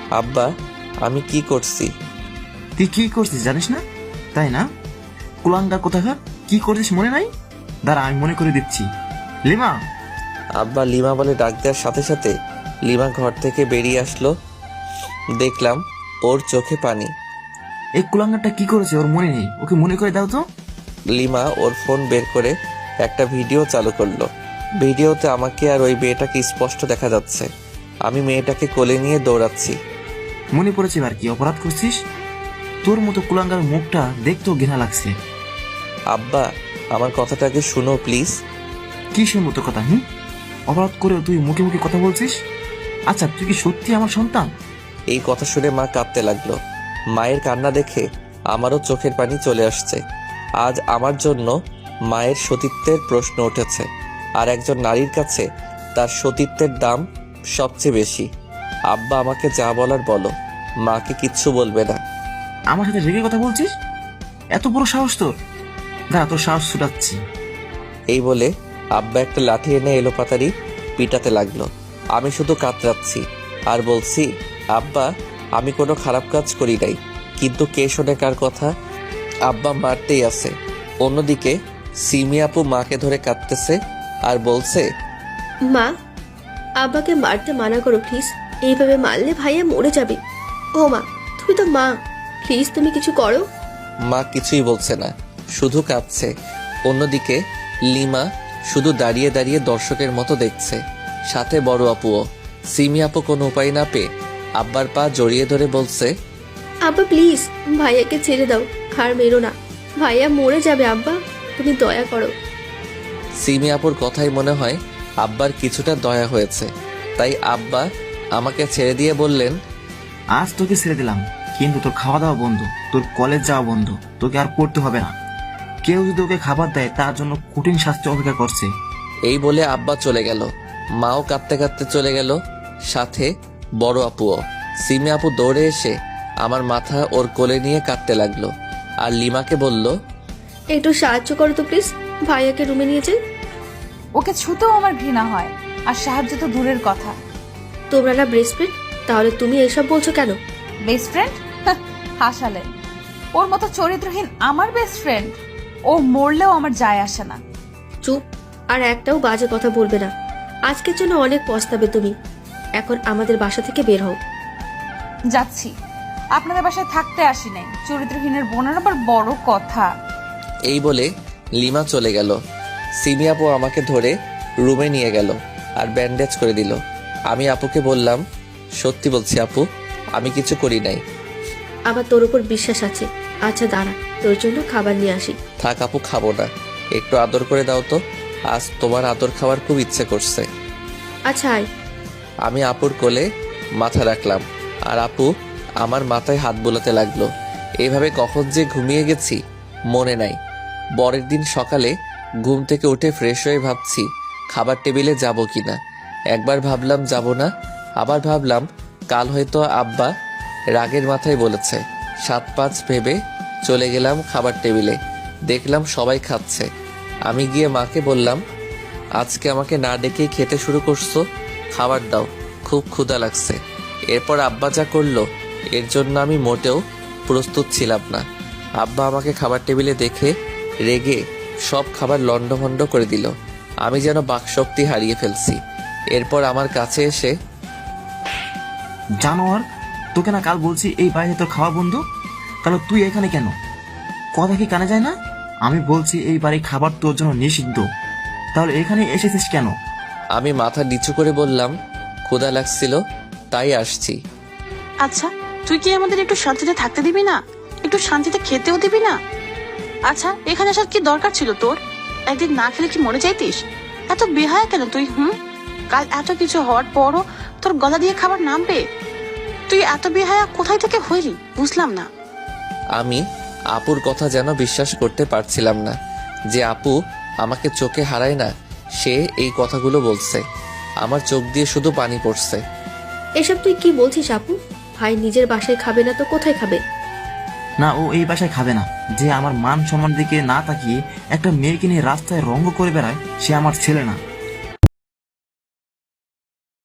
আব্বা, আমি কি করছি? তুই কি করছিস জানিস না, তাই না? কুলাঙ্গার কোথাকার, কি করছিস মনে নাই? দাঁড়া, আমি মনে করে দিচ্ছি। লিমা! আব্বা লিমা বলে ডাক দেওয়ার সাথে সাথে লিমা ঘর থেকে বেরিয়ে আসলো। দেখলাম ওর চোখে পানি। এই কুলাঙ্গারটা কি করেছে ওর মনে নেই, ওকে মনে করে দাও তো। লিমা ওর ফোন বের করে একটা ভিডিও চালু করলো। ভিডিওতে আমাকে আর ওই মেয়েটাকে স্পষ্ট দেখা যাচ্ছে। আমি মেয়েটাকে কোলে নিয়ে দৌড়াচ্ছি। মনে পড়েছে এবার কি অপরাধ করছিস? তোর মতো কুলাঙ্গার মুখটা দেখতেও ঘৃণা লাগছে। আব্বা, আমার কথাটাকে শুনো প্লিজ। কিসের মতো কথা? অপরাধ করেও তুই মুখে মুখে কথা বলছিস? আচ্ছা, তুই কি সত্যি আমার সন্তান? এই কথা শুনে মা কাঁদতে লাগলো। মায়ের কান্না দেখে আমারও চোখের পানি চলে আসছে। আজ আমার জন্য মায়ের সতীত্বের প্রশ্ন উঠেছে, আর একজন নারীর কাছে তার সতীত্বের দাম সবচেয়ে বেশি। আব্বা, আমাকে যা বলার বলো, মাকে কিচ্ছু বলবে না। আমার সাথে রেগে কথা বলছিস? এত বড় সাহস তোর! দাঁড়া, তোর সাহস ছুটাচ্ছি। এই বলে আব্বা একটা লাঠি এনে এলোপাতাড়ি পিটাতে লাগলো। আমি শুধু কাতরাচ্ছি আর বলছি, আব্বা, আমি কোনো খারাপ কাজ করি নাই, কিন্তু কে শোনে কার কথা? আব্বা মারতেই আছে। অন্যদিকে সিমি আপু মাকে ধরে কাঁদতেছে আর বলছে, মা, আব্বাকে মারতে মানা করো প্লিজ। এইভাবে মারলে ভাইয়া মরে যাবে। ও মা, তুমি তো মা, প্লিজ তুমি কিছু করো। মা কিছুই বলছে না, শুধু কাঁদছে। অন্যদিকে লিমা শুধু দাঁড়িয়ে দাঁড়িয়ে দর্শকের মতো দেখছে, সাথে বড় আপুও। সিমি আপু কোনো উপায় না পেয়ে আব্বার পা জড়িয়ে ধরে বলছে, আব্বা প্লিজ ভাইয়াকে ছেড়ে দাও, আর মেরো না, ভাইয়া মরে যাবে। আব্বা তুমি দয়া করো। সিমি আপুর কথাই মনে হয় আব্বার কিছুটা দয়া হয়েছে, তাই আব্বা আমাকে ছেড়ে দিয়ে বললেন, আজ তোকে ছেড়ে দিলাম, কিন্তু তোর খাওয়া দাওয়া বন্ধ, তোর কলেজ যাওয়া বন্ধ, তোকে আর পড়তে হবে না। কেউ যদি ওকে খাবার দেয় তার জন্য কঠিন শাস্তি অপেক্ষা করছে। এই বলে আব্বা চলে গেল। মাও কাঁদতে কাঁদতে চলে গেল, সাথে বড় আপুও। সিমি আপু দৌড়ে এসে আমার মাথা ওর কোলে নিয়ে কাঁদতে লাগলো, আর লিমাকে বলল, একটু সাহায্য করো তো প্লিজ, ভাইয়াকে রুমে নিয়ে যাই। ওকে ছুতেও আমার ঘৃণা হয়, আর সাহায্য তো দূরের কথা। তোমরা না বেস্ট ফ্রেন্ড, তাহলে তুমি এসব বলছো কেন? Best friend? হাসালে। ওর মতো চরিত্রহীন আমার বেস্ট ফ্রেন্ড? ও মরলেও আমার যায় আসে না। চুপ, আর একটাও বাজে কথা বলবে না। আজকের জন্য অনেক পস্তাবে তুমি। এখন আমাদের বাসা থেকে বের হও। যাচ্ছি, আপনাদের বাসায় থাকতে আসি নাই। চরিত্রহীনের বোনের আবার বড় কথা। এই বলে লিমা চলে গেল। সিমি আপু আমাকে ধরে রুমে নিয়ে গেল আর ব্যান্ডেজ করে দিল। আমি আপুকে বললাম, সত্যি বলছি আপু, আমি কিছু করি নাই। আমার তোর উপর বিশ্বাস আছে। আচ্ছা দাঁড়া, তোর জন্য খাবার নিয়ে আসি। থাক আপু, খাবো না, একটু আদর করে দাও তো, আজ তোমার আদর খাওয়ার খুব ইচ্ছে করছে। আচ্ছা আয়। আমি আপুর কোলে মাথা রাখলাম, আর আপু আমার মাথায় হাত বোলাতে লাগলো। এইভাবে কখন যে ঘুমিয়ে গেছি মনে নাই। পরের দিন সকালে ঘুম থেকে উঠে ফ্রেশ হয়ে ভাবছি খাবার টেবিলে যাব কিনা। একবার ভাবলাম যাব না, আবার ভাবলাম কাল হয়তো আব্বা রাগের মাথায় বলেছে। 7-5 ভেবে চলে গেলাম খাবার টেবিলে। দেখলাম সবাই খাচ্ছে। আমি গিয়ে মাকে বললাম, আজকে আমাকে না ডেকেই খেতে শুরু করছো, খাবার দাও, খুব ক্ষুধা লাগছে। এরপর আব্বা যা করলো এর জন্য আমি মোটেও প্রস্তুত ছিলাম না। আব্বা আমাকে খাবার টেবিলে দেখে রেগে সব খাবার লণ্ডভণ্ড করে দিল। আমি যেন বাকশক্তি হারিয়ে ফেলছি। এরপর আমার কাছে এসে, জানোয়ার, তোকে না কাল বলছি এই বাইরে তোর খাওয়া বন্ধ, তাহলে তুই এখানে কেন? কথা কি কানে যায় না? আমি বলছি এই বাড়ি খাবার তোর জন্য নিষিদ্ধ, তাহলে এখানে এসেছিস কেন? আমি মাথা নিচু করে বললাম, ক্ষুধা লাগছিল তাই আসছি। আচ্ছা, তুই কি আমাদের একটু শান্তিতে থাকতে দিবি না? একটু শান্তিতে খেতেও দিবি না? আচ্ছা, এখানে আসার কি দরকার ছিল তোর? একদিন না খেলে কি মরে যাইতিস? এত বেহায়া কেন তুই? কাল এত কিছু হওয়ার পরও তোর গলা দিয়ে খাবার নামবে? তুই এত বেহায়া কোথায় থেকে হইলি বুঝলাম না। আমি আপুর কথা যেন বিশ্বাস করতে পারছিলাম না যে আপু আমাকে চোখে হারায় না, সে এই কথাগুলো বলছে। আমার চোখ দিয়ে শুধু পানি পড়ছে। এসব তুই কি বলছিস আপু? ভাই নিজের বাসায় খাবে না তো কোথায় খাবে? না, ও এই বাসায় খাবে না। যে আমার মান সম্মান দিকে না তাকিয়ে একটা মেয়েকে নিয়ে রাস্তায় রঙ্গ করে বেড়ায়, সে আমার ছেলে না।